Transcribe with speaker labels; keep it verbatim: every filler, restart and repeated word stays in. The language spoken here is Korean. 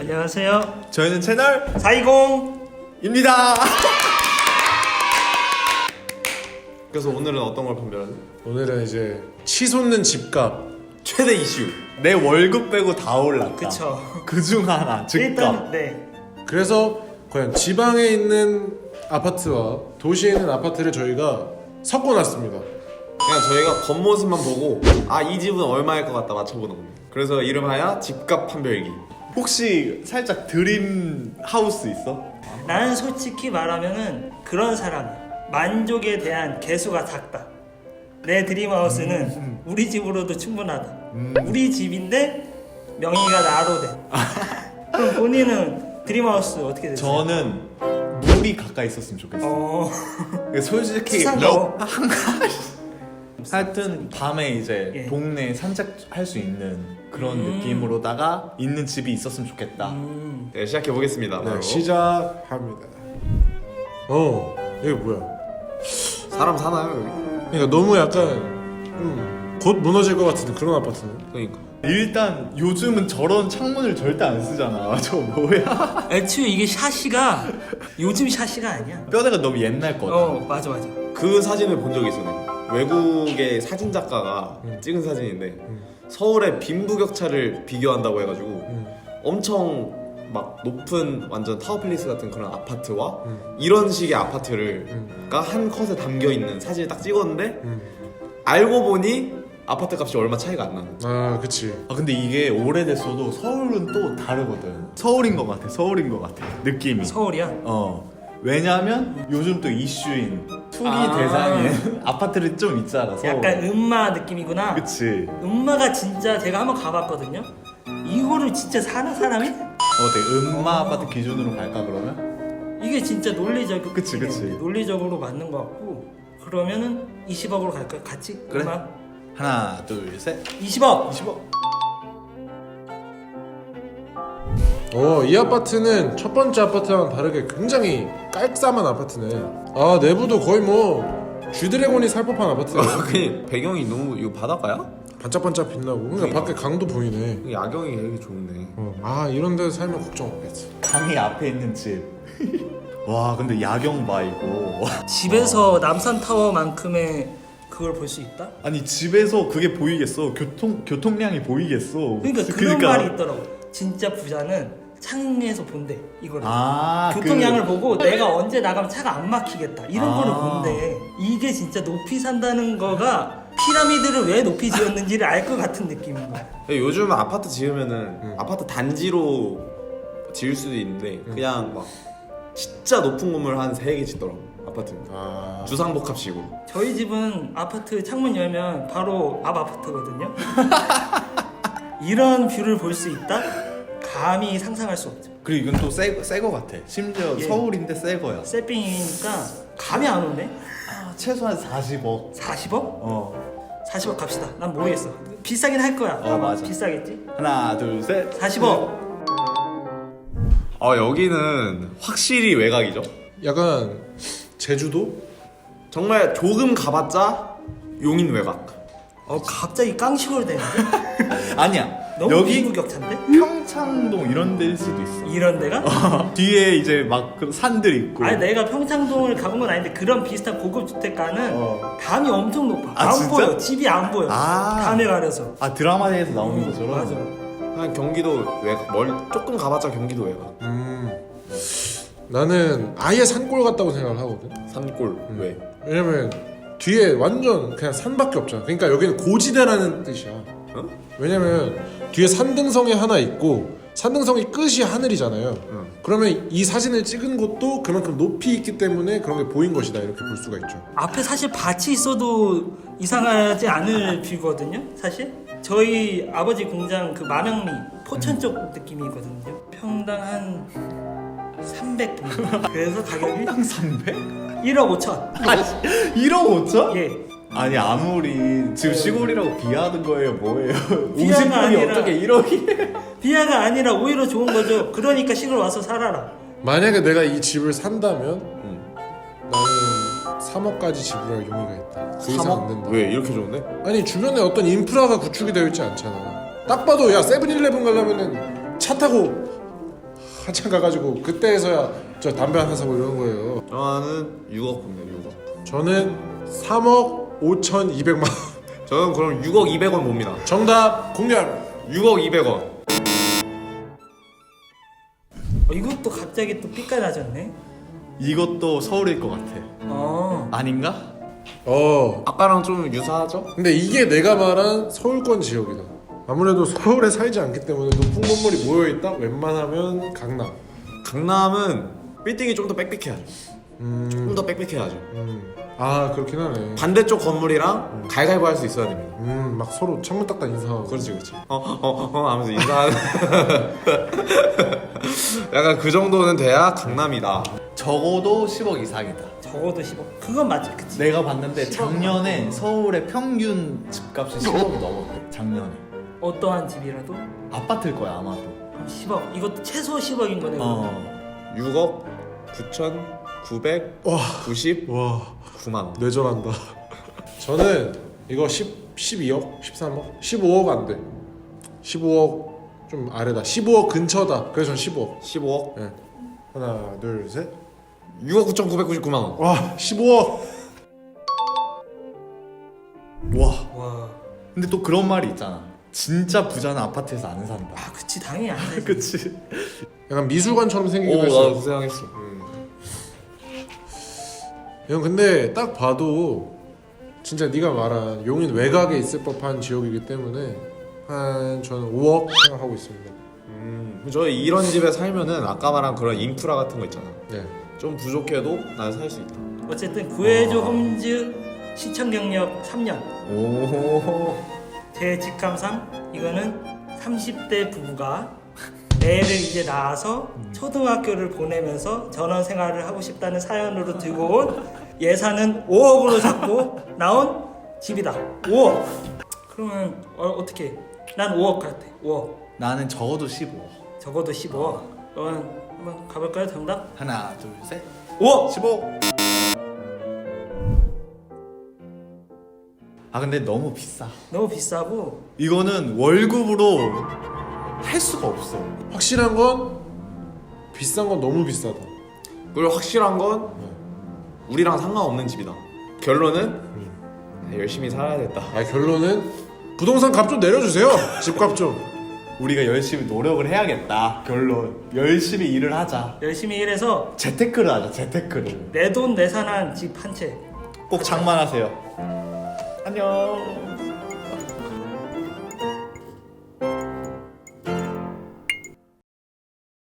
Speaker 1: 안녕하세요.
Speaker 2: 저희는 채널
Speaker 1: 사이공입니다.
Speaker 2: 그래서 오늘은 어떤 걸 판별하지?
Speaker 3: 오늘은 이제 치솟는 집값
Speaker 2: 최대 이슈. 내 월급 빼고 다 올랐다.
Speaker 1: 그쵸.
Speaker 2: 그중 하나 집값.
Speaker 1: 일단 네.
Speaker 3: 그래서 과연 지방에 있는 아파트와 도시에 있는 아파트를 저희가 섞어놨습니다.
Speaker 2: 그냥 저희가 겉모습만 보고 아 이 집은 얼마일 것 같다 맞춰보는 겁니다. 그래서 이름하여 집값 판별기. 혹시 살짝 드림 하우스 있어?
Speaker 1: 나는 솔직히 말하면은 그런 사람이야. 만족에 대한 개수가 작다. 내 드림하우스는 음. 우리 집으로도 충분하다. 음. 우리 집인데 명의가 나로 돼. 그럼 본인은 드림하우스 어떻게 되세요?
Speaker 2: 저는 물이 가까이 있었으면 좋겠어.
Speaker 1: 어...
Speaker 2: 솔직히
Speaker 1: 수상거.
Speaker 2: 하여튼 밤에 이제
Speaker 1: 예.
Speaker 2: 동네 산책할 수 있는 그런
Speaker 1: 음.
Speaker 2: 느낌으로다가 있는 집이 있었으면 좋겠다.
Speaker 1: 음.
Speaker 2: 네, 시작해 보겠습니다.
Speaker 3: 네, 시작합니다. 어, 이게 뭐야?
Speaker 2: 사람 사나요 여기?
Speaker 3: 그러니까 너무 약간 음, 곧 무너질 것 같은 그런 아파트네.
Speaker 2: 그러니까 일단 요즘은 저런 창문을 절대 안 쓰잖아. 저 뭐야?
Speaker 1: 애초에 이게 샤시가 요즘 샤시가 아니야.
Speaker 2: 뼈대가 너무 옛날 거다.
Speaker 1: 어 맞아 맞아.
Speaker 2: 그 사진을 본 적이 있어. 내가. 외국의 사진 작가가
Speaker 3: 음.
Speaker 2: 찍은 사진인데
Speaker 3: 음.
Speaker 2: 서울의 빈부격차를 비교한다고 해가지고
Speaker 3: 음.
Speaker 2: 엄청 막 높은 완전 타워플레이스 같은 그런 아파트와
Speaker 3: 음.
Speaker 2: 이런 식의 아파트를
Speaker 3: 음.
Speaker 2: 가 한 컷에 담겨 있는 사진을 딱 찍었는데
Speaker 3: 음.
Speaker 2: 알고 보니 아파트 값이 얼마 차이가 안 나는.
Speaker 3: 아, 그치.
Speaker 4: 아 근데 이게 오래됐어도 서울은 또 다르거든. 서울인 것 같아. 서울인 것 같아. 느낌이.
Speaker 1: 서울이야.
Speaker 4: 어. 왜냐면 요즘 또 이슈인 투기
Speaker 1: 아.
Speaker 4: 대상인 아파트를 좀 있잖아. 서울.
Speaker 1: 약간 음마 느낌이구나.
Speaker 4: 그치.
Speaker 1: 음마가 진짜 제가 한번 가봤거든요. 이거를 진짜 사는 사람이?
Speaker 4: 어때? 음마 아파트 기준으로 갈까 그러면?
Speaker 1: 이게 진짜 논리적
Speaker 4: 그치, 그치.
Speaker 1: 논리적으로 맞는 것 같고 그러면은 이십억으로 갈까요? 같이?
Speaker 4: 그래.
Speaker 1: 음마?
Speaker 4: 하나, 둘, 셋.
Speaker 1: 이십억.
Speaker 4: 이십억.
Speaker 3: 어, 이 아파트는 첫 번째 아파트와는 다르게 굉장히 깔끔한 아파트네. 아, 내부도 거의 뭐 쥐드래곤이 살 법한 아파트야.
Speaker 2: 그냥 배경이 너무 이거 바닷가야?
Speaker 3: 반짝반짝 빛나고. 그러니까
Speaker 2: 그러니까.
Speaker 3: 밖에 강도 보이네.
Speaker 2: 야경이 되게 좋네.
Speaker 3: 어, 아, 이런 데서 살면 걱정 없겠지.
Speaker 4: 강이 앞에 있는 집. 와 근데 야경 봐 이거.
Speaker 1: 집에서 남산타워만큼의 그걸 볼 수 있다?
Speaker 4: 아니 집에서 그게 보이겠어? 교통 교통량이 보이겠어?
Speaker 1: 그러니까 그런 말이 있더라고. 진짜 부자는 창에서 본대 이거를.
Speaker 4: 아,
Speaker 1: 교통량을
Speaker 4: 그...
Speaker 1: 보고 내가 언제 나가면 차가 안 막히겠다 이런
Speaker 4: 아.
Speaker 1: 거를 본대. 이게 진짜 높이 산다는 거가 피라미드를 왜 높이 지었는지를 알 것 같은 느낌인 거야.
Speaker 2: 요즘 아파트 지으면은
Speaker 3: 음.
Speaker 2: 아파트 단지로 지을 수도 있는데 그냥 막 진짜 높은 건물 한 세 개 짓더라고 아파트.
Speaker 3: 아,
Speaker 2: 주상복합식으로.
Speaker 1: 저희 집은 아파트 창문 열면 바로 앞 아파트거든요. 이런 뷰를 볼 수 있다? 감히 상상할 수 없죠.
Speaker 4: 그리고 이건 또새거 같아. 심지어
Speaker 1: 예.
Speaker 4: 서울인데 새 거야.
Speaker 1: 세핑이니까 감이 안 오네.
Speaker 4: 아, 최소한 사십억.
Speaker 1: 사십억?
Speaker 4: 어.
Speaker 1: 사십억 갑시다. 난 모르겠어. 비싸긴 할 거야.
Speaker 4: 어, 맞아.
Speaker 1: 비싸겠지?
Speaker 4: 하나, 둘, 셋.
Speaker 1: 사십억.
Speaker 2: 아 여기는 확실히 외곽이죠.
Speaker 3: 약간 제주도?
Speaker 2: 정말 조금 가봤자 용인 외곽.
Speaker 1: 어 갑자기 깡식으로 되는데?
Speaker 4: 아니야.
Speaker 1: 너무
Speaker 4: 여기
Speaker 1: 비구격차인데?
Speaker 4: 평창동 이런 데일 수도 있어.
Speaker 1: 이런 데가?
Speaker 4: 뒤에 이제 막 그 산들 있고.
Speaker 1: 아니 내가 평창동을 가본 건 아닌데 그런 비슷한 고급 주택가는
Speaker 4: 어.
Speaker 1: 담이 엄청 높아.
Speaker 4: 아,
Speaker 1: 안
Speaker 4: 진짜?
Speaker 1: 보여. 집이 안 보여.
Speaker 4: 아.
Speaker 1: 담에 가려서.
Speaker 4: 아 드라마에서 나오는
Speaker 1: 음,
Speaker 4: 것처럼.
Speaker 1: 맞아.
Speaker 2: 한 경기도 외곽. 멀 조금 가봤자 경기도 외곽.
Speaker 3: 음, 나는 아예 산골 같다고 생각을 하거든.
Speaker 2: 산골 왜?
Speaker 3: 왜냐면 뒤에 완전 그냥 산밖에 없잖아. 그러니까 여기는 고지대라는 뜻이야.
Speaker 2: 어?
Speaker 3: 왜냐면 뒤에 산등성이 하나 있고 산등성이 끝이 하늘이잖아요.
Speaker 2: 응.
Speaker 3: 그러면 이 사진을 찍은 곳도 그만큼 높이 있기 때문에 그런 게 보인 것이다 이렇게 볼 수가 있죠.
Speaker 1: 앞에 사실 밭이 있어도 이상하지 않을 뷰거든요. 사실 저희 아버지 공장 그 마명리 포천 쪽 느낌이거든요. 평당 한 삼백 정도. 그래서 가격이
Speaker 4: 평당 삼백?
Speaker 1: 일억 오천.
Speaker 4: 아, 일억 오천?
Speaker 1: 예.
Speaker 4: 아니 아무리 지금 시골이라고 비하하는 거예요 뭐예요?
Speaker 1: 비하가
Speaker 4: 오십 분이
Speaker 1: 아니라-
Speaker 4: 어떻게 일억이?
Speaker 1: 비하가 아니라 오히려 좋은 거죠. 그러니까 시골 와서 살아라.
Speaker 3: 만약에 내가 이 집을 산다면
Speaker 2: 응.
Speaker 3: 나는 삼억까지 지불할 용의가 있다. 그 이상 안 된다.
Speaker 2: 왜 이렇게 좋은데?
Speaker 3: 아니 주변에 어떤 인프라가 구축이 되어 있지 않잖아. 딱 봐도 야 세븐일레븐 가려면은 차 타고 한참 가가지고 그때서야 저 담배 하나 사고 이러는 거예요.
Speaker 2: 저는 육억 봅니다. 육억.
Speaker 3: 저는 삼억 오천이백만 원.
Speaker 2: 저는 그럼 육억 이백원 봅니다.
Speaker 3: 정답 공개합니다.
Speaker 2: 육억 이백원.
Speaker 1: 어, 이것도 갑자기 또 삐까나졌네.
Speaker 4: 이것도 서울일 것 같아.
Speaker 1: 어.
Speaker 4: 아닌가?
Speaker 3: 어
Speaker 2: 아까랑 좀 유사하죠?
Speaker 3: 근데 이게 내가 말한 서울권 지역이다. 아무래도 서울에 살지 않기 때문에 높은 건물이 모여있다? 웬만하면 강남.
Speaker 2: 강남은 빌딩이 좀 더 빽빽해야죠.
Speaker 3: 음,
Speaker 2: 좀 더 빽빽해야죠.
Speaker 3: 음. 아 그렇긴 하네.
Speaker 2: 반대쪽 건물이랑 갈갈보 할 수 있어야 됩니다.
Speaker 3: 음, 막 서로 창문 딱딱 인사하고.
Speaker 2: 그렇지 그렇지. 어어어 어, 어, 하면서 인사하는. 약간 그 정도는 돼야 강남이다.
Speaker 4: 적어도 십억 이상이다.
Speaker 1: 적어도 십억. 그건 맞지, 그치?
Speaker 4: 내가 봤는데 작년에 서울의 평균 집값이 십억이 넘었대. 작년에.
Speaker 1: 어떠한 집이라도
Speaker 4: 아파트일 거야 아마도.
Speaker 1: 그럼 십억. 이것도 최소 십억인 거네.
Speaker 4: 어.
Speaker 2: 육억 구천구백구십구만
Speaker 3: 와
Speaker 2: 원.
Speaker 3: 뇌절한다. 저는 이거 십, 십이억? 십삼억? 십오억 안 돼. 십오억 좀 아래다. 십오억 근처다. 그래서 전 십오억.
Speaker 2: 십오억.
Speaker 3: 예. 하나 둘 셋.
Speaker 2: 육억 구천구백구십구만 원.
Speaker 3: 와 십오억.
Speaker 4: 와.
Speaker 1: 와.
Speaker 4: 근데 또 그런 말이 있잖아. 진짜 부자는 아파트에서 안 산다.
Speaker 1: 아, 그치, 당연히 안 되지.
Speaker 4: 그치?
Speaker 3: 약간 미술관처럼 생기긴
Speaker 2: 오,
Speaker 3: 했어.
Speaker 2: 나도 그 생각했어.
Speaker 3: 음. 형 근데 딱 봐도 진짜 네가 말한 용인 외곽에 있을 법한 지역이기 때문에 한 저는 오억 생각하고 있습니다.
Speaker 2: 음, 저 이런 집에 살면은 아까 말한 그런 인프라 같은 거 있잖아.
Speaker 3: 네.
Speaker 2: 좀 부족해도 난 살 수 있다.
Speaker 1: 어쨌든 구해줘 홈즈 시청 경력 삼 년.
Speaker 2: 오.
Speaker 1: 제 직감상 이거는 삼십 대 부부가 애를 이제 낳아서 초등학교를 보내면서 전원 생활을 하고 싶다는 사연으로 들고 온 예산은 오억으로 잡고 나온 집이다. 오억. 그러면 어, 어떻게? 난 오억 같아. 오억.
Speaker 4: 나는 적어도 십오.
Speaker 1: 적어도 십오억. 그러면 한번 가볼까요? 정답?
Speaker 4: 하나, 둘, 셋.
Speaker 1: 오억.
Speaker 4: 십오. 아 근데 너무 비싸.
Speaker 1: 너무 비싸고
Speaker 4: 이거는 월급으로 할 수가 없어.
Speaker 3: 확실한 건 비싼 건 너무 비싸다.
Speaker 2: 그리고 확실한 건 우리랑 상관없는 집이다. 결론은 열심히 살아야겠다.
Speaker 3: 아 결론은 부동산 값 좀 내려주세요. 집값 좀.
Speaker 4: 우리가 열심히 노력을 해야겠다. 결론. 열심히 일을 하자.
Speaker 1: 열심히 일해서
Speaker 4: 재테크를 하자. 재테크를.
Speaker 1: 내 돈 내산한 집 한 채.
Speaker 4: 꼭 장만하세요. 안녕.